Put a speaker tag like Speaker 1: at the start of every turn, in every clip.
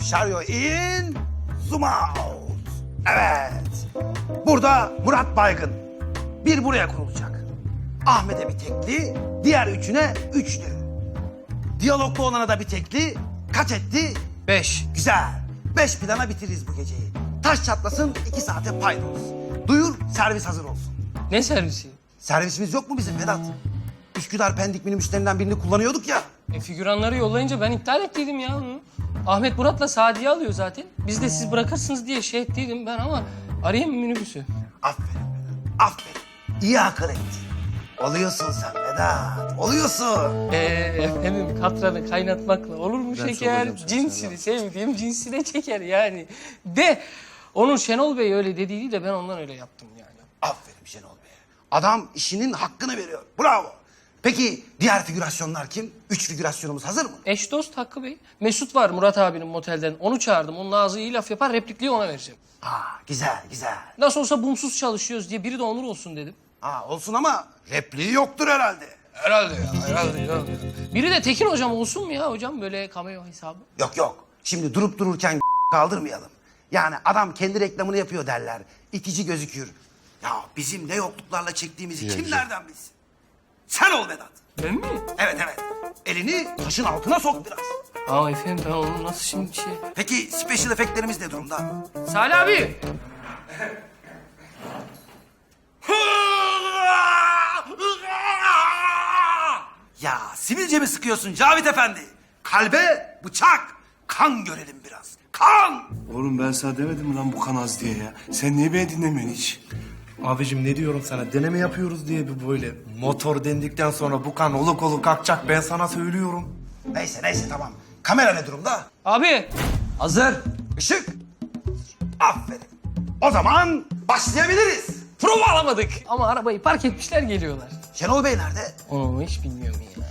Speaker 1: şaryo in, zoom out. Evet. Burada Murat Baygın. Bir buraya kurulacak. Ahmet'e bir tekli, diğer üçüne üçlü. Diyaloglu olana da bir tekli. Kaç etti?
Speaker 2: 5.
Speaker 1: Güzel. 5 plana bitiririz bu geceyi. Taş çatlasın 2 saate paydos. Duyur servis hazır olsun.
Speaker 2: Ne servisi?
Speaker 1: Servisimiz yok mu bizim Vedat? Üsküdar Pendik minibüslerinden birini kullanıyorduk ya.
Speaker 2: Figüranları yollayınca ben iptal ettiydim ya onu. Ahmet Murat'la Sadiye alıyor zaten. Biz de siz bırakırsınız diye şey ettiydim ben ama arayayım minibüsü.
Speaker 1: Aferin Vedat, aferin. İyi akıl ettin. Oluyorsun sen Vedat, oluyorsun.
Speaker 2: Efendim katranı kaynatmakla olur mu
Speaker 3: Ben
Speaker 2: şeker?
Speaker 3: soracağım sana,
Speaker 2: Cinsini sevdiğim cinsine çeker yani. De onun Şenol Bey öyle dediğiydi de ben ondan öyle yaptım yani.
Speaker 1: Aferin Şenol Bey. Adam işinin hakkını veriyor. Bravo. Peki diğer figürasyonlar kim? 3 figürasyonumuz hazır mı?
Speaker 2: Eş dost Hakkı Bey. Mesut var Murat abinin motelden. Onu çağırdım. Onun ağzı iyi laf yapar. Replikliği ona vereceğim.
Speaker 1: Güzel, güzel.
Speaker 2: Nasıl olsa bumsuz çalışıyoruz diye biri de Onur olsun dedim.
Speaker 1: Olsun ama repliği yoktur herhalde.
Speaker 2: Herhalde ya, herhalde ya. Biri de Tekin hocam olsun mu ya hocam böyle cameo hesabı?
Speaker 1: Yok yok. Şimdi durup dururken kaldırmayalım. Yani adam kendi reklamını yapıyor derler. İtici gözükür. Ya bizim ne yokluklarla çektiğimizi kim nereden bilsin? Sen ol Vedat.
Speaker 2: Ben mi?
Speaker 1: Evet evet. Elini taşın altına sok biraz.
Speaker 2: Efendim ben onu nasıl şimdi şey...
Speaker 1: Peki special efektlerimiz ne durumda?
Speaker 2: Salih abi.
Speaker 1: Ya sivilce mi sıkıyorsun Cavit Efendi? Kalbe bıçak. Kan görelim biraz. Kan!
Speaker 3: Oğlum ben sana demedim mi lan bu kan az diye ya? Sen niye beni dinlemiyorsun hiç?
Speaker 4: Abicim ne diyorum sana? Deneme yapıyoruz diye bir böyle. Motor dendikten sonra bu kan oluk oluk kalkacak. Ben sana söylüyorum.
Speaker 1: Neyse neyse tamam. Kamera ne durumda?
Speaker 2: Abi.
Speaker 1: Hazır. Işık. Aferin. O zaman başlayabiliriz.
Speaker 2: Prova alamadık. Ama arabayı park etmişler geliyorlar.
Speaker 1: Şenol Bey nerede?
Speaker 2: Onu hiç bilmiyorum ya.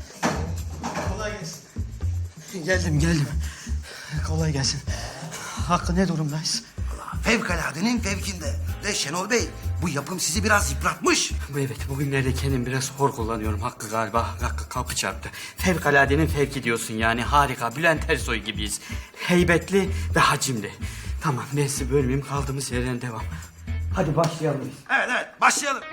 Speaker 5: Geldim. Kolay gelsin. Hakkı ne durumdayız?
Speaker 1: Fevkaladenin fevkinde. Ve Şenol Bey bu yapım sizi biraz yıpratmış.
Speaker 5: Evet, bugünlerde kendim biraz hor kullanıyorum Hakkı galiba. Hakkı kapı çarptı. Fevkaladenin fevki diyorsun yani harika. Bülent Ersoy gibiyiz. Heybetli ve hacimli. Tamam ben sizi bölmeyeyim kaldığımız yerden devam. Hadi başlayalım biz.
Speaker 1: Evet evet başlayalım.